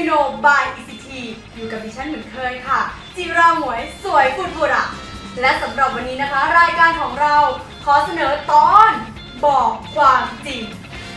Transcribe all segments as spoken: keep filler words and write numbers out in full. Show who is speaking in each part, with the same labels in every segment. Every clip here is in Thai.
Speaker 1: โนบาย อี ซี ที อยู่กับดิฉันเหมือนเคยค่ะจิราหมวยสวยฟุดฟุดอ่ะและสำหรับวันนี้นะคะรายการของเราขอเสนอตอนบอกความจริง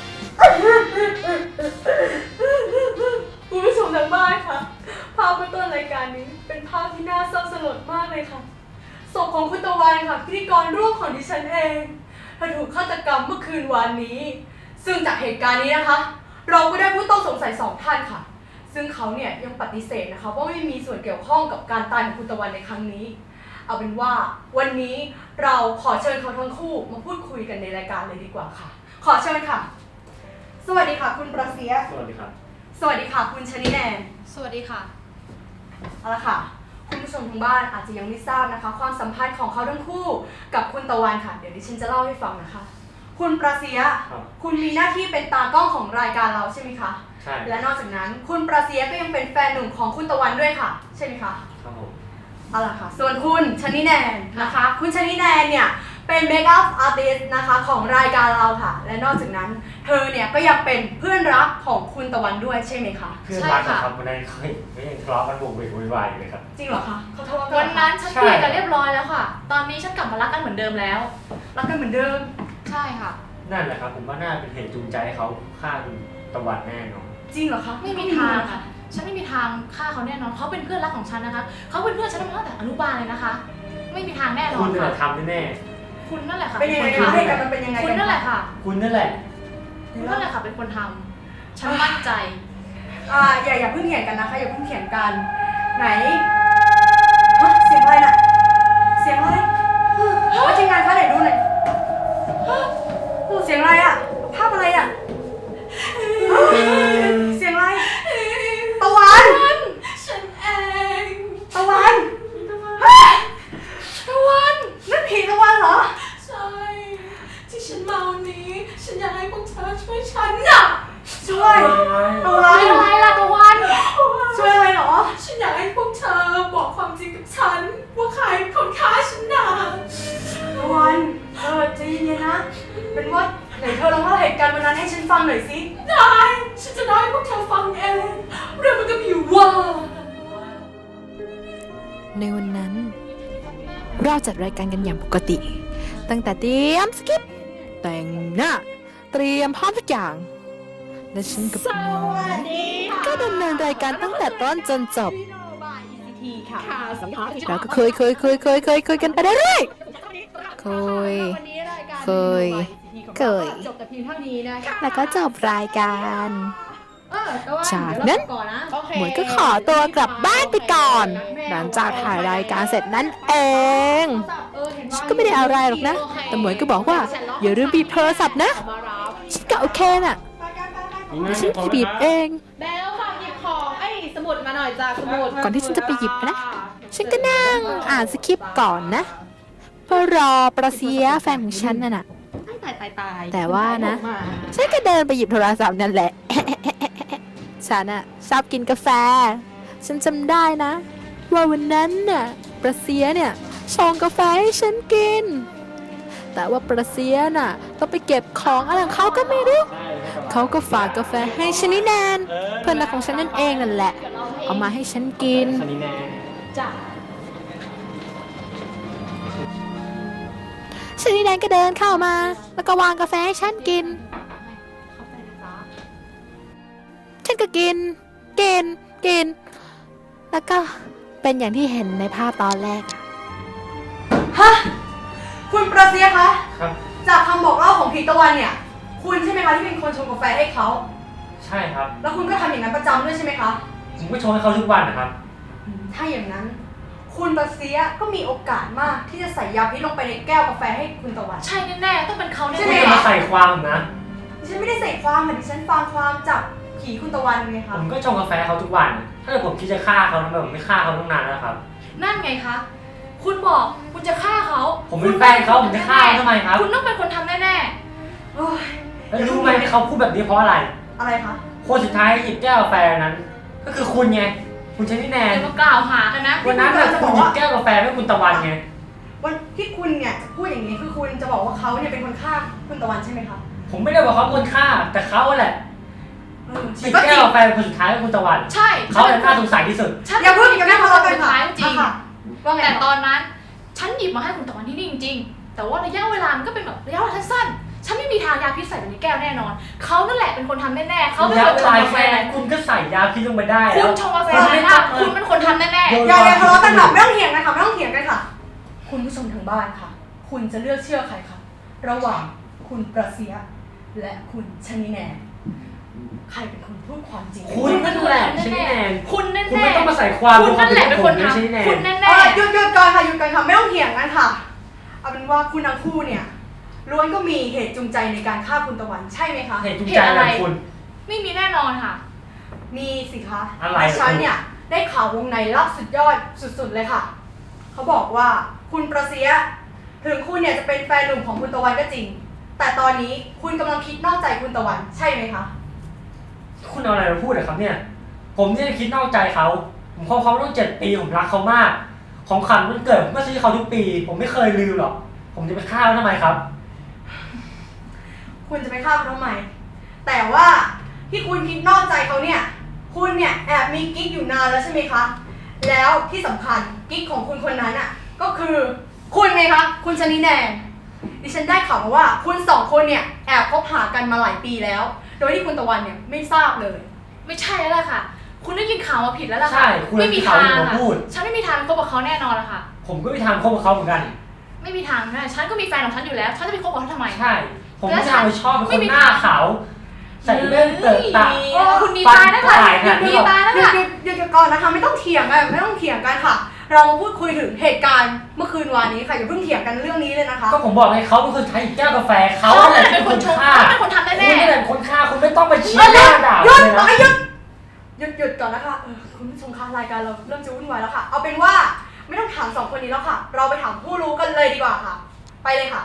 Speaker 1: คุณผู้ชมทางบ้านค่ะภาพเบื้องต้นรายการนี้เป็นภาพที่น่าเศร้าสลดมากเลยค่ะศพของคุณตะวันค่ะพิธีกรร่วมของดิฉันเองเธอถูกฆาตกรรมเมื่อคืนวานนี้ซึ่งจากเหตุการณ์นี้นะคะเราก็ได้ผู้ต้องสงสัยสองท่านค่ะซึ่งเขาเนี่ยยังปฏิเสธนะคะว่าไม่มีส่วนเกี่ยวข้องกับการตายของคุณตะวันในครั้งนี้เอาเป็นว่าวันนี้เราขอเชิญเขาทั้งคู่มาพูดคุยกันในรายการเลยดีกว่าค่ะขอเชิญค่ะสวัสดีค่ะคุณประเสีย
Speaker 2: สวัสดีครับ
Speaker 1: สวัสดีค่ะคุณชนิแนน
Speaker 3: สวัสดีค่ะ
Speaker 1: เอาละค่ะคุณผู้ชมทางบ้านอาจจะยังไม่ทราบนะคะความสัมพันธ์ของเขาทั้งคู่กับคุณตะวันค่ะเดี๋ยวดิฉันจะเล่าให้ฟังนะคะคุณประเสียคุณมีหน้าที่เป็นตากล้องของรายการเราใช่ไหมคะ
Speaker 2: ใช่
Speaker 1: และนอกจากนั้นคุณประเสียก็ยังเป็นแฟนหนุ่มของคุณตะวันด้วยค่ะใช่ไหมคะ
Speaker 2: ครับผม
Speaker 1: เอาล่ะค่ะส่วนคุณชนิแนนนะคะคุณชนิแนนเนี่ยเป็นเมคอัพอาร์ติสต์นะคะของรายการเราค่ะและนอกจากนั้นเธอเนี่ยก็ยังเป็นเพื่อนรักของคุณตะวันด้วยใช่ไหมคะ
Speaker 2: เพื่อนรักครับวันนั้นเคยไม่ยังทะเลาะกันบุกเบิกวุ่นวายอยู่เลยครับ
Speaker 1: จริงเหรอคะเขาทะเลาะกัน
Speaker 3: วันนั้นฉันเคลียร์กันเรียบร้อยแล้วค่ะตอนนี้ฉันกลับมารักกันเหมือนเดิมแล้ว
Speaker 1: รักกันเหมือนเดิม
Speaker 3: ใช่ค่ะ
Speaker 2: นั่นแหละครับผมว่าน่าเป็นเหตุจูงใจให้เขาฆ่าคุณตะวันแน่นอน
Speaker 1: จริงเหรอคะ
Speaker 3: ไม่มีทางค่ะฉันไม่มีทางฆ่าเขาแน่นอนเขาเป็นเพื่อนรักของฉันนะคะเขาเป็นเพื่อนฉันมาตั้งแต่อนุบาลเลยนะคะไม่มีทางแน่นอน
Speaker 2: คุณน่ะทำแน่
Speaker 3: คุณนั่นแหละค่ะ
Speaker 1: เป็นยังไงคะให้กันมันเป็นยังไง
Speaker 3: คุณนั่นแหละค่ะ
Speaker 2: คุณนั่นแหละ
Speaker 3: คุณนั่นแหละค่ะเป็นคนทำฉันมั่นใจ
Speaker 1: อ่าอย่าอย่าเพิ่งเถียงกันนะคะอย่าเพิ่งเถียงกันไหนฮะเสียงอะไรน่ะเสียงอะไรว่าทีมงานคะไหนดูหน่อยเสียงอะไรอ่ะภาพอะไรอ่ะเสียงอะไรตะวัน
Speaker 3: ฉันเอง
Speaker 1: ตะวัน
Speaker 3: ตะวัน
Speaker 1: นั่นผีตะวันเหรอ
Speaker 3: ใช่ที่ฉันมาวันนี้ฉันอยากให้พวกเธอช่วยฉันน่ะ
Speaker 1: ช่วยตะวัน
Speaker 3: อะไรล่ะตะวัน
Speaker 1: ช่วยอะไรเหรอ
Speaker 3: ฉันอยากให้พวกเธอบอกความจริงกับฉันว่าใครเป็นคนฆ่าฉันน่ะ
Speaker 1: ตะวันเออใจเย็นๆนะเป็นว่าไหนเธอลองเล่าเหตุการณ์วันนั้นให้ฉันฟังหน่อยสิ
Speaker 3: ได้ฉันจะเล่าให้พวกเธอฟังเองเรื่องมันก็มีอยู่ว่า
Speaker 4: ในวันนั้นเราจัดรายการกันอย่างปกติตั้งแต่เตรียมสคริปต์แต่งหน้าเตรียมพร้อมทุกอย่างและฉันกับน้องก็ดำเนินรายการตั้งแต่ต้นจนจบเราก็เคยเคยเคยเคยเคยเคยกันไปเรื่อยๆเคยเคยเคยแล้วก็จบรายการจากนั้นหมวยก็ขอตัวกลับบ้านไปก่อนหลังจากถ่ายรายการเสร็จนั่นเองฉันก็ไม่ได้อะไรหรอกนะแต่หมวยก็บอกว่าอย่าลืมบีบโทรศัพท์นะฉันก็โอเคน่ะแต่ฉันบีบเอง
Speaker 3: เบลฝากหยิบของไอ้สมุดมาหน่อยจ้าสมุด
Speaker 4: ก่อนที่ฉันจะไปหยิบนะฉันก็นั่งอ่านสคริปต์ก่อนนะเพื่อรอประเสียแฟนของฉันน่ะนะแต่ว่านะฉันก็เดินไปหยิบโทรศัพท์นั่นแหละฉันอะชอบกินกาแฟฉันจำได้นะว่าวันนั้นน่ะประเสียเนี่ยชงกาแฟให้ฉันกินแต่ว่าประเสียน่ะต้องไปเก็บของอะไรของเขาก็ไม่รู้เขาก็ฝากกาแฟให้ชนิแนนเพื่อนรักของฉันนั่นเองนั่นแหละเอามาให้ฉันกิน
Speaker 2: ชนิแนน
Speaker 3: จ้ะ
Speaker 4: ชนิแนนก็เดินเข้ามาแล้วก็วางกาแฟให้ฉันกินฉันก็กินกินกินแล้วก็เป็นอย่างที่เห็นในภาพตอนแรก
Speaker 1: ฮะคุณประเสียคะ
Speaker 2: ครับ
Speaker 1: จากคำบอกเล่าของผีตะวันเนี่ยคุณใช่ไหมคะที่เป็นคนชงกาแฟให้เขา
Speaker 2: ใช่ครับ
Speaker 1: แล้วคุณก็ทำอย่างนั้นประจำด้วยใช่ไหมคะ
Speaker 2: ผมก็ชงให้เขาทุกวันนะครับ
Speaker 1: ถ้าอย่างนั้นคุณประเสียก็มีโอกาสมากที่จะใส่ยาพิษลงไปในแก้วกาแฟให้คุณตะวัน
Speaker 3: ใช่แน่ๆต้องเป็นเขาแน่ๆ
Speaker 2: ใช่ไหมมาใส่ความนะ
Speaker 1: ดิฉันไม่ได้ใส่ความค่ะดิฉันฟังความจากผีคุณตะวันไงคะ
Speaker 2: ผมก็ชงกาแฟเขาทุกวันถ้าเกิดผมคิดจะฆ่าเขาทำไมผมไม่ฆ่าเขาตั้งนานแล้วครับ
Speaker 3: นั่นไงคะคุณบอกคุณจะฆ่าเขา
Speaker 2: ผมเป็นแฟนเขาผมจะฆ่าเขาทำไมครับ
Speaker 3: คุณต้องเป็นคนทำแน่ๆ
Speaker 1: โอ้ย
Speaker 2: แล้วรู้ไหมที่เขาพูดแบบนี้เพราะอะไร
Speaker 1: อะไรคะ
Speaker 2: คนสุดท้ายหยิบแก้วกาแฟนั้นก็คือคุณไงคุณชนิแนน
Speaker 3: จะมากล่าวหากันนะ
Speaker 2: วันนั้นจะคุณหยิบแก้วกาแฟให้คุณตะวันไง
Speaker 1: วันที่คุณเนี่ยพูดอย่างนี้คือคุณจะบอกว่าเขาเนี่ยเป็นคนฆ่าคุณตะวันใช่ไหมคะ
Speaker 2: ผมไม่ได้บอกเขาคนฆ่าแต่เขาแหละ
Speaker 1: เออ
Speaker 2: จิบ
Speaker 1: ก็จ
Speaker 2: แก้
Speaker 1: ริ
Speaker 2: ว
Speaker 1: ง
Speaker 2: กาแฟเป็นคนสุดท้ายของคุณตะวัน
Speaker 3: ใช่
Speaker 2: เขาเป็นน่าสงสัยที่สุด
Speaker 3: ฉัน
Speaker 1: อย่าพูดอย่างนั้นทะเลาะกัน
Speaker 3: สุด
Speaker 1: ค่ะ
Speaker 3: ท้ายจริง
Speaker 1: อ่ะค่ะว่าไง
Speaker 3: แต่ตอนนั้นฉันหยิบมาให้คุณตะวันที่นี่จริงๆแต่ว่าระยะเวลามันก็เป็นแบบระยะเวลาสั้นๆฉันไม่มีทางยาพิษใส่ไปในแก้วแน่นอนเขานั่นแหละเป็นคนทำแน่ๆเขาไม่
Speaker 2: แล้
Speaker 3: เคว ยไป
Speaker 2: ลาย
Speaker 3: ทำกา
Speaker 2: แฟ
Speaker 3: แฟ
Speaker 2: คุณก็ใส่ยาพิษลงไปได้
Speaker 3: คุ
Speaker 2: แล้
Speaker 3: ณ
Speaker 2: ว
Speaker 3: ชงกาแฟมาถ้าคุณเป็นคนทำแน่
Speaker 2: โดน
Speaker 1: อย่าอย่าทะเลาะกันค่ะไม่ต้องเถียงกันค่ะไม่ต้องเถียงกันค่ะ คุณผู้ชมทางบ้านค่ะ คุณจะเลือกเชื่อใครคะระหว่างคุณประเสียและคุณชนิแนนใครเป็นคนพูดความจริง
Speaker 2: คุณนั่นแหละชนิแนน
Speaker 3: ๆคุณแน่ๆ
Speaker 2: คุณไม่ต้องมาใส่ความ
Speaker 3: คุณนั่นแหละเป็นคน
Speaker 2: ไม่ใช่แน
Speaker 3: ทำคุณ
Speaker 2: น
Speaker 3: แน่
Speaker 1: เออหยุดหยุดก่อนค่ะหยุดก่อนค่ะไม่ต้องเถียงกันค่ะเอาเป็นว่าคุณทั้งคู่เนี่ยล้วนก็มีเหตุจูงใจในการฆ่าคุณตะวันใช่ไหมคะ
Speaker 2: เหตุจูงใจอะไรคุณ
Speaker 3: ๆไม่มีแน่นอนค่ะ
Speaker 1: มีสิคะ
Speaker 2: อะไร
Speaker 1: ดิฉันเนี่ยได้ข่าววงในลับสุดยอดสุดๆเลยค่ะ เขาบอกว่าคุณประเสียถึงคุณเนี่ยจะเป็นแฟนหนุ่มของคุณตะวันก็จริง แต่ตอนนี้คุณกำลังคิดนอกใจคุณตะวันใช่ไหมคะ
Speaker 2: คุณเอาอะไรมาพูดอะครับเนี่ย ผมเนี่ยคิดนอกใจเขา ผมคบเขาต้องเจ็ดปี ผมรักเขามาก ของขวัญวันเกิดผมก็ซื้อเขาทุกปี ผมไม่เคยลืมหรอก ผมจะไปฆ่าเขาทำไมครับ
Speaker 1: คุณจะไปฆ่าเขาทำไม แต่ว่าที่คุณคิดนอกใจเขาเนี่ย คุณเนี่ยแอบมีกิ๊กอยู่นานแล้วใช่ไหมคะ แล้วที่สำคัญกิ๊กของคุณคนนั้นอ่ะ ก็คือคุณไงคะ คุณชนิแนนดิฉันได้ข่าวมาว่าคุณสองคนเนี่ยแอบคบหากันมาหลายปีแล้ว โดยที่คุณตะวันเนี่ยไม่ทราบเลย
Speaker 3: ไม่ใช่แล้วล่ะค่ะ คุณได้ยินข่าวมาผิดแล้วล่ะ
Speaker 2: ใช่
Speaker 3: ค่ะ
Speaker 2: คุณ
Speaker 3: ไม่มี
Speaker 2: ข่าว
Speaker 3: ทาง
Speaker 2: ที่ผม
Speaker 3: ค่ะ
Speaker 2: พูด
Speaker 3: ฉันไม่มีทางคบกับเขาแน่นอนละค่ะ
Speaker 2: ผมก็ไม่ทางคบกับเขาเหมือนกัน
Speaker 3: ไม่มีทางแน่ฉันก็มีแฟนของฉันอยู่แล้ว ฉันจะไปคบกับเขาทำไม
Speaker 2: ใช่ ผมไม่ทางไปชอบเป็น
Speaker 3: ไม่
Speaker 2: คน
Speaker 3: มี
Speaker 2: หน้าขาว ใส่แว่นเติร์ตา
Speaker 3: โอ้คุณมีตานะคะ
Speaker 2: ฟันปลาย
Speaker 3: มี
Speaker 2: เนี่ย
Speaker 3: ตานะ
Speaker 1: หยุด
Speaker 3: คะ
Speaker 1: หยุดหยุดหยุดก่อนนะคะ ไม่ต้องเถียงกันไม่ต้องเถียงกันค่ะ เรามาพูดคุยถึงเหตุการณ์เมื่อคืนวานนี้ค่ะอย่าเพิ่งเถียงกันเรื่องนี้เลยนะคะ
Speaker 2: ก็ผมบอกให้เขาเป็นคนใช้แก้วกาแฟเขา
Speaker 3: เขา
Speaker 2: แหละ
Speaker 3: เป็นคนชง
Speaker 2: ฆ่า
Speaker 3: เขาเป็นคนทำ
Speaker 2: คุณ
Speaker 3: แน่
Speaker 2: นี่แหละคนฆ่าคุณไม่ต้องไปชี้
Speaker 1: ห
Speaker 2: หน้าด่า
Speaker 1: ยุด
Speaker 2: เลยนะ
Speaker 1: หยุดหยุดหยุดก่อนนะคะเออคุณผู้ชมคะรายการเราเริ่มจะวุ่นวายแล้วค่ะ เอาเป็นว่าไม่ต้องถามสองคนนี้แล้วค่ะ เราไปถามผู้รู้กันเลยดีกว่าค่ะ ไปเลยค่ะ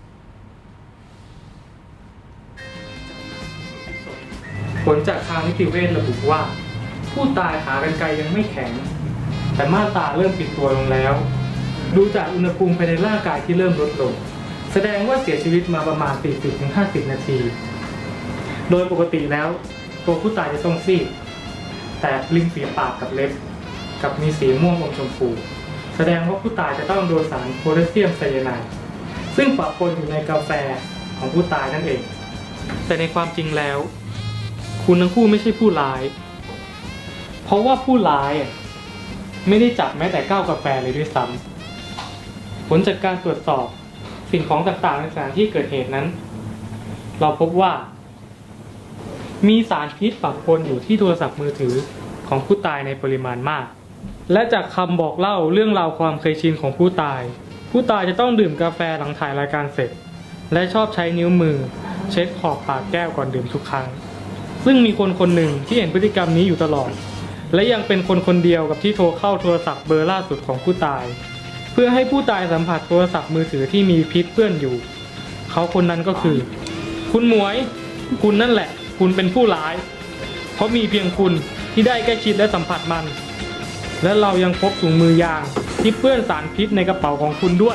Speaker 5: ผลจากทางนิติเวชระบุว่า ผู้ตายขากรรไกรยังไม่แข็ง แต่ม่านตาเริ่มปิดตัวลงแล้ว ดูจากอุณหภูมิภายในร่างกายที่เริ่มลดลง แสดงว่าเสียชีวิตมาประมาณ สี่สิบถึงห้าสิบ นาที โดยปกติแล้วตัวผู้ตายจะต้องซีดแต่ริมฝีปากกับเล็บกับมีสีม่วงอมชมพู แสดงว่าผู้ตายจะต้องโดนสารโพแทสเซียมไซยาไนด์ซึ่งปะปนอยู่ในกาแฟของผู้ตายนั่นเอง แต่ในความจริงแล้ว คุณทั้งคู่ไม่ใช่ผู้ร้าย เพราะว่าผู้ร้ายไม่ได้จับแม้แต่แก้วกาแฟเลยด้วยซ้ำผลจากการตรวจสอบสิ่งของต่างๆในสถานที่เกิดเหตุนั้น เราพบว่า มีสารพิษปะปนอยู่ที่โทรศัพท์มือถือของผู้ตายในปริมาณมาก และจากคำบอกเล่าเรื่องราวความเคยชินของผู้ตาย ผู้ตายจะต้องดื่มกาแฟหลังถ่ายรายการเสร็จ และชอบใช้นิ้วมือเช็ดขอบปากแก้วก่อนดื่มทุกครั้ง ซึ่งมีคนคนหนึ่งที่เห็นพฤติกรรมนี้อยู่ตลอด และยังเป็นคนคนเดียวกับที่โทรเข้าโทรศัพท์เบอร์ล่าสุดของผู้ตาย เพื่อให้ผู้ตายสัมผัสโทรศัพท์มือถือที่มีพิษเปื้อนอยู่ เขาคนนั้นก็คือ คุณหมวย คุณนั่นแหละ คุณเป็นผู้ร้าย เพราะมีเพียงคุณที่ได้ใกล้ชิดและสัมผัสมัน และเรายังพบถุงมือยางที่เปื้อนสารพิษในกระเป๋าของคุณด้วย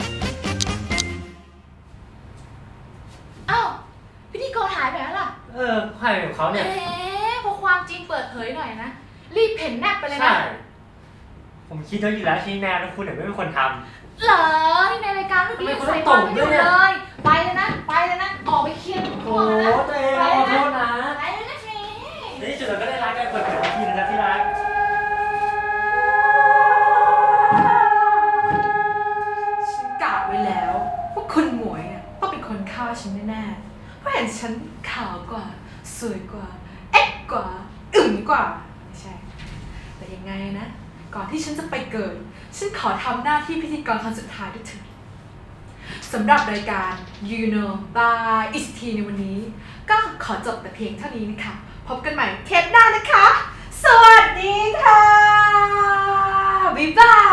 Speaker 3: อ้าวพิธีกรหายไปแล้วล่ะ
Speaker 2: เออใครของเขา
Speaker 3: เอ๊
Speaker 2: เนี่ย
Speaker 3: ะพอความจริงเปิดเผยหน่อยนะ รีบเพ่นแนบไปเลย
Speaker 2: ใช่
Speaker 3: นะ
Speaker 2: ผมคิดไว้อยู่แล้วชี้แนวแล้วคุณเนี่ยไม่เป็นคนท
Speaker 3: เหรอที่ในรายการเมื่อกี้
Speaker 2: ทำไมคุณ
Speaker 3: ใส่
Speaker 2: ต้อง
Speaker 3: ความไม่
Speaker 2: ต
Speaker 3: อบ
Speaker 2: ด้
Speaker 3: ยู่
Speaker 2: วยเนี่ย
Speaker 3: เลย ไปเลยนะ ไปเลยนะ ออกไปเคลียร์ทุก
Speaker 2: ำ
Speaker 3: ค
Speaker 2: โอ้
Speaker 3: นนะ
Speaker 2: ตัวเอง
Speaker 3: ไป
Speaker 2: ขอ
Speaker 3: เลย
Speaker 2: โท
Speaker 3: นะ
Speaker 2: ษนะ
Speaker 3: ไปเลยนะเฟ
Speaker 2: ในที่สุดเราก็ได้รักกันเปิดเผยทีนะครับที่รัก
Speaker 1: ฉันกะไว้แล้วว่าคุณหมวยเนี่ยต้องเป็นคนฆ่าฉันแน่ๆเพราะเห็นฉันขาวกว่า สวยกว่า เอ็กกว่า อึ๋มกว่า ไม่ใช่ แต่ยังไงนะ ก่อนที่ฉันจะไปเกิด ฉันขอทำหน้าที่พิธีกรครั้งสุดท้ายด้วยเถิดสำหรับรายการ You Know by อี ซี ที ในวันนี้ ก็ขอจบแต่เพียงเท่านี้นะคะ พบกันใหม่เทปหน้านะคะ สวัสดีค่ะ บ๊ายบาย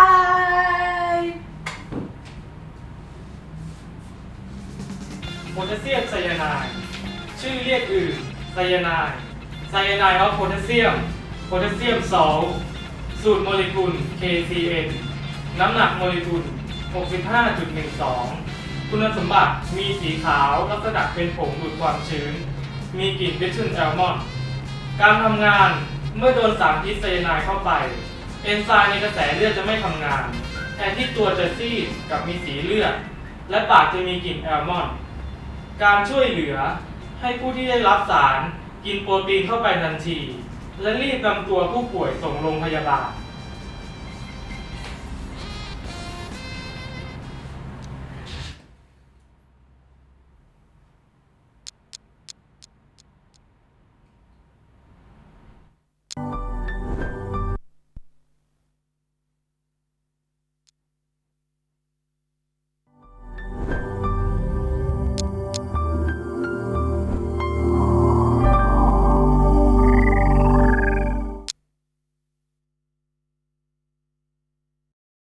Speaker 5: โพแทสเซียมไซยาไนด์ชื่อเรียกอื่นไซยาไนด์ไซยาไนด์ออฟโพแทสเซียมโพแทสเซียมซอลต์สูตรโมเลกุล เค ซี เอ็น น้ำหนักโมเลกุล หกสิบห้าจุดหนึ่งสอง คุณสมบัติมีสีขาวลักษณะเป็นผงดูดความชื้น มีกลิ่นเบทูลแอลมอนด์
Speaker 6: การทำงานเมื่อโดนสารพิษไซยาไนด์เข้าไปเอนไซม์ในกระแสเลือดจะไม่ทำงานแทนที่ตัวจะซีดกับมีสีเลือดและปากจะมีกลิ่นแอลมอนด์การช่วยเหลือให้ผู้ที่ได้รับสารกินโปรตีนเข้าไปทันทีและรีบนำตัวผู้ป่วยส่งโรงพยาบาล